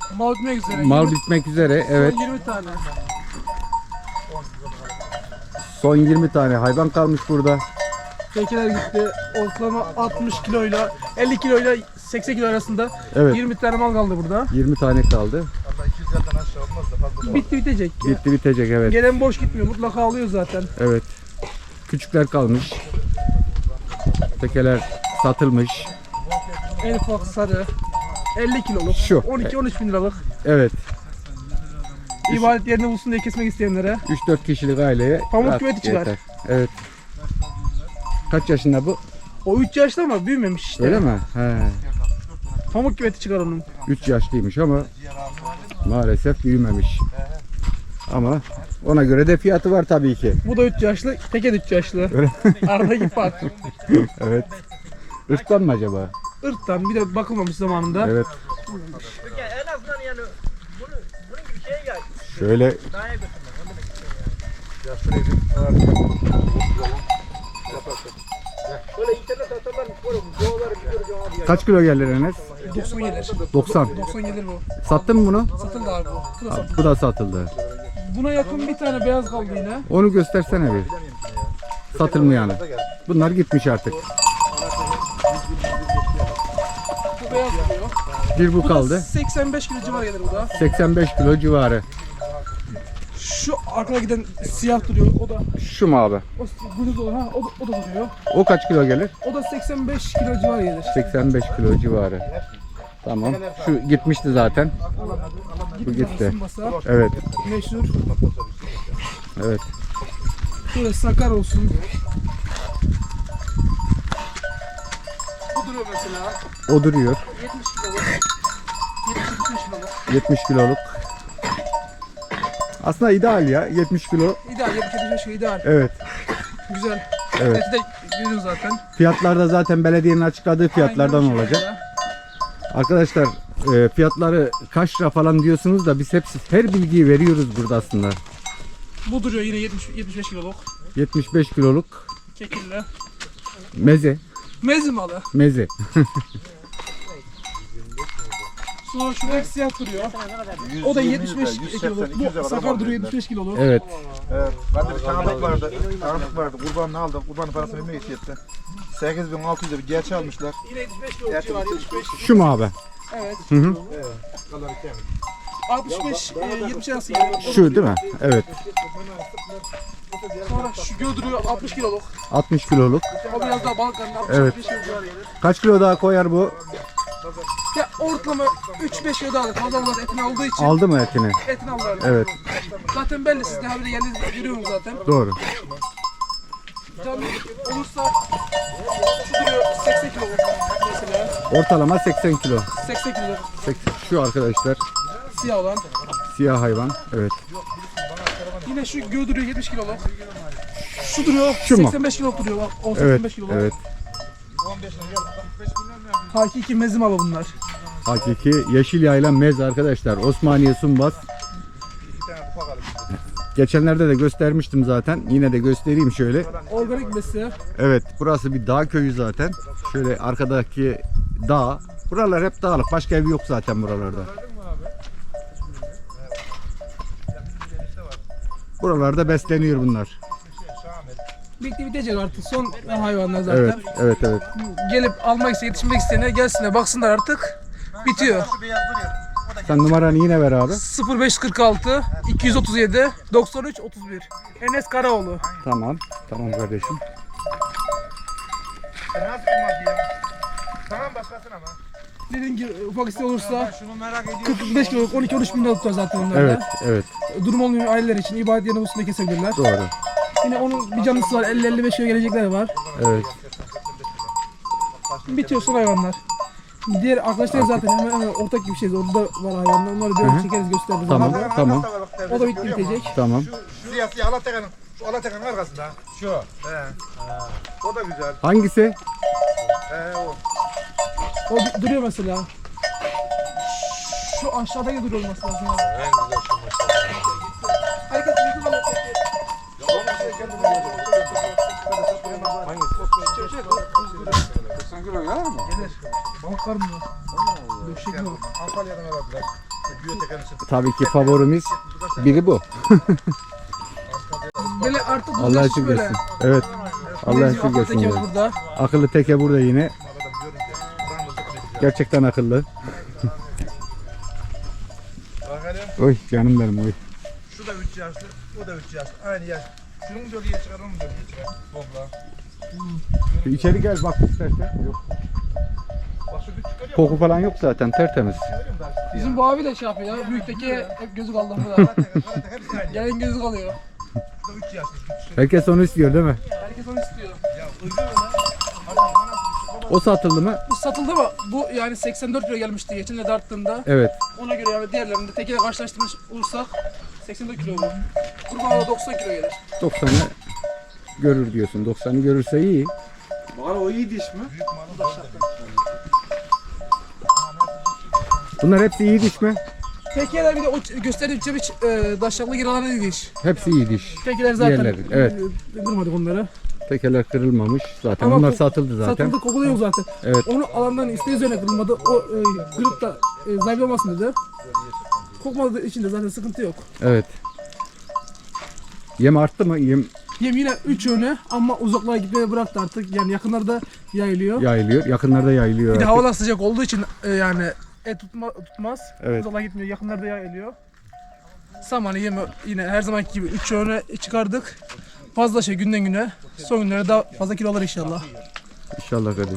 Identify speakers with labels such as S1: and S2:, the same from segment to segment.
S1: Mal bitmek üzere.
S2: Mal bitmek üzere. Evet.
S1: Son 20 tane.
S2: Son 20 tane hayvan kalmış burada.
S1: Tekeler gitti. Ortalama 60 kiloyla 50 kiloyla 80 kilo arasında.
S2: Evet.
S1: 20 tane mal kaldı burada.
S2: 20 tane kaldı.
S1: Bitti bitecek.
S2: Bitti bitecek, evet.
S1: Gelen boş gitmiyor. Mutlaka alıyor zaten.
S2: Evet. Küçükler kalmış. Tekeler satılmış.
S1: En ufak sarı. 50 kiloluk.
S2: Şu.
S1: 12-13 bin liralık.
S2: Evet.
S1: İbadet yerini bulsun diye kesmek isteyenlere.
S2: 3-4 kişilik aileye
S1: Pamuk
S2: rahat
S1: küveti çıkar.
S2: yeter. Evet. Kaç yaşında bu?
S1: O 3 yaşta ama büyümemiş işte.
S2: Öyle mi? He.
S1: Pamuk küveti çıkar onun.
S2: 3 yaşlıymış ama maalesef büyümemiş. Ama ona göre de fiyatı var tabii ki.
S1: Bu da 3 yaşlı, teke de 3 yaşlı.
S2: Öyle.
S1: Aradaki fark.
S2: Evet. Irktan mı acaba?
S1: Irktan bir de bakılmamış zamanında.
S2: Evet.
S3: En azından yani bunun gibi şey ya.
S2: Şöyle
S3: Böyle internet atarlar böyle videoları biliyor abi ya.
S2: kaç kilo gelir Enes?
S1: 90 gelir.
S2: 90.
S1: 90 gelir bu.
S2: Sattın mı bunu?
S1: Satıldı abi bu. Bu da satıldı.
S2: Bu da satıldı.
S1: Buna yakın bir tane beyaz kaldı yine.
S2: Onu göstersene bir. Satılmayanı. Bunlar gitmiş artık.
S1: Bu beyaz duruyor.
S2: Bir bu
S1: Bu
S2: kaldı.
S1: da 85 kilo civarı gelir bu da.
S2: 85 kilo civarı.
S1: Şu arkada giden siyah duruyor. O da
S2: Şu mu abi?
S1: o guduz olan ha o da duruyor.
S2: O kaç kilo gelir?
S1: O da 85 kilo civarı gelir.
S2: 85 kilo civarı. Tamam. Şu gitmişti zaten. Bu gitti.
S1: Masa,
S2: Evet.
S1: meşhur.
S2: Evet.
S1: Şöyle sakar olsun. Bu duruyor mesela.
S2: O duruyor.
S1: 70 kiloluk. 70-75 kiloluk.
S2: 70 kiloluk. Aslında ideal ya. 70 kilo.
S1: İdeal 70-75 kilo ideal.
S2: Evet.
S1: Güzel.
S2: Evet.
S1: Eti de görüyoruz zaten.
S2: Fiyatlar da zaten belediyenin açıkladığı fiyatlardan
S1: Aynen o
S2: olacak.
S1: şekilde.
S2: Arkadaşlar fiyatları kaç lira falan diyorsunuz da biz hepsi her bilgiyi veriyoruz burada aslında.
S1: Bu duruyor yine 75 kiloluk.
S2: 75 kiloluk
S1: Kekille.
S2: meze.
S1: Mezi malı.
S2: Meze.
S1: Sonra şurada siyah duruyor. O da 75 kiloluk. Bu sakar duruyor 75 kiloluk.
S2: Evet.
S4: Ben de bir tanıdık vardı. Tanıdık vardı. Kurbanını aldım. Kurbanın parasını vermeye yetti. 8.600'e bir gerçi almışlar.
S1: Yine 75 kiloluk civarı 75.
S2: Şu mu abi?
S1: Evet.
S2: Hı hı.
S1: 65 70 arası gelir.
S2: Şu değil mi? Evet.
S1: Sonra şu duruyor 60 kiloluk.
S2: 60 kiloluk.
S1: O biraz daha balık karnı 65
S2: Evet.
S1: kilo civarı gelir.
S2: Kaç kilo daha koyar bu?
S1: Ya ortalama 3-5 kilo daha alır. Fazla fazla etini aldığı için
S2: Aldı mı etini?
S1: etini alırlar.
S2: Evet.
S1: Zaten belli siz de habire geldiğinizde görüyorsunuz zaten.
S2: Doğru.
S1: Canlı olursa şu duruyor 80 kiloluk mesela.
S2: Ortalama 80 kilo.
S1: 80 kiloluk
S2: 80. Şu arkadaşlar
S1: siyah olan.
S2: siyah hayvan. Evet.
S1: Yine şu duruyor 70 kiloluk. Şu duruyor
S2: Şu mu?
S1: 85 kiloluk duruyor bak. O
S2: Evet.
S1: 85 kiloluk.
S2: Evet.
S1: Hakiki mezim alı bunlar.
S2: Hakiki yeşil yayla mez arkadaşlar. Osmaniye Sumbaz. Geçenlerde de göstermiştim zaten. Yine de göstereyim şöyle.
S1: Organik besi.
S2: Evet, burası bir dağ köyü zaten. Şöyle arkadaki dağ. Buralar hep dağlık. Başka ev yok zaten buralarda. Buralarda besleniyor bunlar.
S1: Bitti bitecek artık. Son hayvanlar zaten.
S2: Evet, evet, evet.
S1: Gelip almak isteyen, yetişmek isteyenler gelsinler, baksınlar artık. Bitiyor.
S2: Sen numaranı yine ver abi.
S1: 0546 237 93 31. Enes Karaoğlu.
S2: Tamam. Tamam kardeşim.
S4: Nasıl olmaz ya? Tamam başkasına ama.
S1: Dediğim gibi ufak isteği olursa 45 kiloluk 12-13 bin lira tutar zaten onlarda.
S2: Evet, evet.
S1: Durum olmayan aileler için ibadet yerine usunda kesebilirler.
S2: Doğru.
S1: Yine onun bir canlısı var, 50-55 kilo gelecekler var.
S2: Evet.
S1: Bitiyor son hayvanlar. Diğer arkadaşlar zaten hemen ortak gibi şeyiz. Orada var hayvanlar. Onları böyle çekeriz, gösteririz.
S2: Tamam,
S1: onlara.
S2: tamam,
S1: O da bitti bitecek.
S2: tamam.
S4: Siyah siyah Alatekan'ın. Şu Alatekan'ın arkasında. Şu. He. O da güzel.
S2: Hangisi?
S4: O.
S1: O duruyor mesela. Şu aşağıdaki duruyor olması lazım. En güzel şu maşallah. Herkes yüzü var. Gelir. Balık var mı? Döşek mi?
S4: Antalya'dan aradılar.
S2: tabii ki favorimiz biri bu.
S1: Böyle artık
S2: Allah
S1: bulacak
S2: şükür
S1: böyle.
S2: etsin. Evet. Allah
S1: Bizim
S2: şükür
S1: akıl
S2: etsin.
S1: tekemiz
S2: yani.
S1: burada.
S2: Akıllı teke burada yine. Gerçekten akıllı.
S4: Bakalım.
S2: Oy canım benim oy.
S4: Şu da 3 yaşlı, o da 3 yaşlı. Aynı yaş. Şunun bölgeye çıkar, onun bölgeye çıkar. Topla.
S2: İçeri gel bak istersen. Yok.
S4: Bak şu küçük görüyor
S2: Koku falan yok zaten tertemiz.
S4: musun?
S1: Bizim bu abi de şey yapıyor ya. Büyükteki hep gözü kaldı burada.
S4: Karate hepsi aynı.
S1: Gelen gözü kalıyor.
S4: Bu da 3 yaşlı. Küçük.
S2: Herkes onu istiyor değil mi?
S1: Herkes onu istiyor.
S4: Ya uyuyor lan. Adam anasını
S2: O satıldı mı?
S1: Bu satıldı mı? Bu yani 84 kilo gelmişti geçen de darttığında.
S2: Evet.
S1: Ona göre yani diğerlerinde tekiyle karşılaştırmış olursak 84 kilo bu. Kurbağada 90 kilo gelir.
S2: 90'ı görür diyorsun. 90'ı görürse iyi.
S5: Bana o iyi diş mi?
S2: Bunlar hepsi iyi diş mi?
S1: Tekiler bir de o gösterdiğim çeviç daşaklı giralarına değilmiş.
S2: Hepsi iyi diş.
S1: Tekiler zaten
S2: Diğerleri, evet.
S1: Kırmadık onları.
S2: Tekeler kırılmamış. Zaten
S1: Ama
S2: onlar
S1: ko-
S2: satıldı zaten.
S1: Satıldı, koku da yok zaten.
S2: Evet.
S1: Onu alandan isteği üzerine kırılmadı. O kırıp da zayıf olmasın dedi. Kokmadığı için de zaten sıkıntı yok.
S2: Evet. Yem arttı mı? Yem
S1: Yem yine 3 yöne ama uzaklara gitmeye bıraktı artık. Yani yakınlarda yayılıyor.
S2: yayılıyor. Yakınlarda yayılıyor.
S1: Bir de
S2: artık.
S1: havalar sıcak olduğu için yani tutmaz.
S2: Evet.
S1: Uzaklara gitmiyor. Yakınlarda yayılıyor. Samanı yemi yine her zamanki gibi 3 yöne çıkardık. Fazla şey günden güne. Son günlerde daha fazla kilo alır inşallah.
S2: İnşallah kardeş.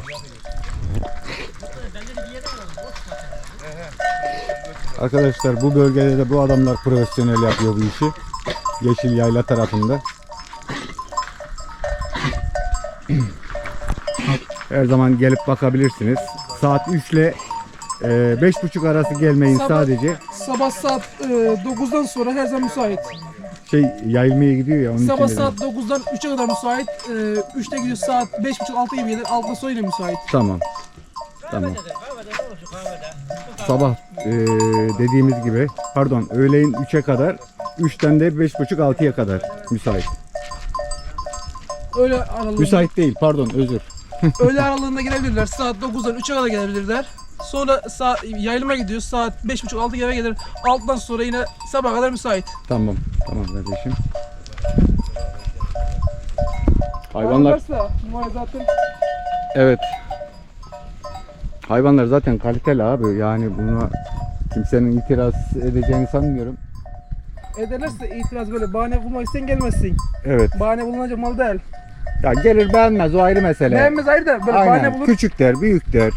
S2: Arkadaşlar bu bölgede de bu adamlar profesyonel yapıyor bu işi. Yeşil Yayla tarafında. Her zaman gelip bakabilirsiniz. Saat 3 ile 5.30 arası gelmeyin
S1: Sabah-
S2: sadece.
S1: Sabah saat 9'dan sonra her zaman müsait.
S2: Yayılmaya gidiyor ya onun
S1: Sabah
S2: için dedim.
S1: saat 9'dan 3'e kadar müsait. 3'te gidiyor saat 5.30-6 gibi gelir. 6'dan sonra yine müsait.
S2: Tamam. Tamam.
S3: Kahvede ne olsun kahvede?
S2: Sabah dediğimiz gibi pardon öğleyin 3'e kadar 3'ten de 5.30-6'ya kadar müsait.
S1: Öğle aralığında,
S2: Müsait değil pardon özür.
S1: öğle aralığında gelebilirler. Saat 9'dan 3'e kadar gelebilirler. Sonra yayılıma gidiyor. Saat 5.30-6 gibi gelir. 6'dan sonra yine sabaha kadar müsait.
S2: Tamam. Tamam kardeşim. Hayvanlar
S1: Varsa, zaten
S2: evet. Hayvanlar zaten kaliteli abi. Yani buna kimsenin itiraz edeceğini sanmıyorum.
S1: ederlerse itiraz böyle bahane bulmak isten gelmezsin.
S2: Evet.
S1: Bahane bulunacak mal değil.
S2: Ya gelir beğenmez o ayrı mesele.
S1: Beğenmez ayrı da böyle bahane
S2: Aynen.
S1: bulur.
S2: Küçük der, büyük der.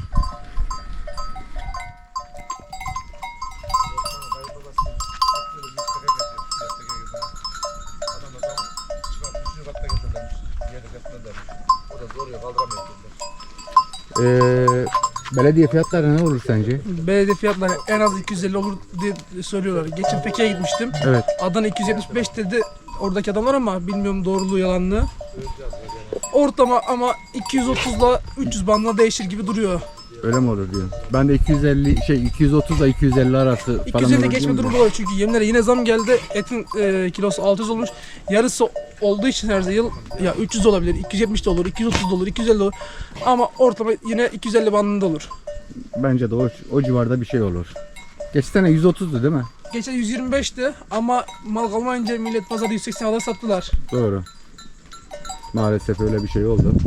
S2: Belediye fiyatları ne olur sence?
S1: Belediye fiyatları en az 250 olur diye söylüyorlar. Geçen Fethiye'ye gitmiştim.
S2: Evet.
S1: Adana 275 dedi oradaki adamlar ama bilmiyorum doğruluğu yalanlığı. Ortama ama 230'la 300 bandına değişir gibi duruyor.
S2: Öyle mi olur diyor. Ben de 230 ile 250 arası falan
S1: 250
S2: olur
S1: geçme
S2: diyorum
S1: durumu
S2: da.
S1: var çünkü yemlere yine zam geldi. Etin kilosu 600 olmuş. Yarısı olduğu için her yıl ya 300 olabilir, 270 de olur, 230 da olur, 250 de olur. Ama ortama yine 250 bandında olur.
S2: Bence de o civarda bir şey olur. Geçen sene 130'du değil mi?
S1: Geçen 125'ti ama mal kalmayınca millet pazarda 180 kadar sattılar.
S2: Doğru. Maalesef öyle bir şey oldu.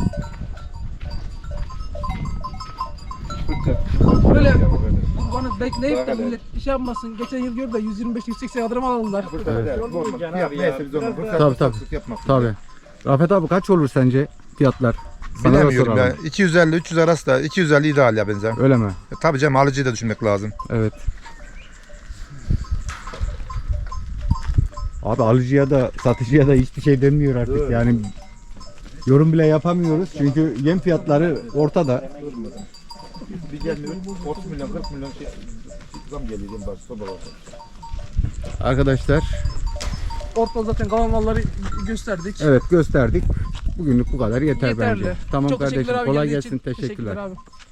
S1: Böyle bana bekleyip de millet iş yapmasın. Geçen yıl gördü de 125-180 kadar mal aldılar.
S2: Tabii. Tabii. Rafet abi kaç olur sence fiyatlar? Sana da
S4: Bilemiyorum
S2: soralım.
S4: ya. 250-300 arası da 250 ideal ya benzer.
S2: Öyle mi?
S4: Tabii canım alıcıyı da düşünmek lazım.
S2: Evet. Abi alıcıya da satıcıya da hiçbir şey denmiyor artık. Yani yorum bile yapamıyoruz çünkü yem fiyatları ortada.
S4: Bir gelmiyor 30 milyon 40 milyon zam geliyor en başı soba var.
S2: Arkadaşlar
S1: Ortada zaten kalan malları gösterdik.
S2: evet gösterdik. Bugünlük bu kadar yeter
S1: Yeterli.
S2: bence. Tamam
S1: Çok
S2: kardeşim
S1: teşekkürler abi,
S2: kolay
S1: geldiğin
S2: gelsin
S1: için.
S2: teşekkürler.
S1: Abi.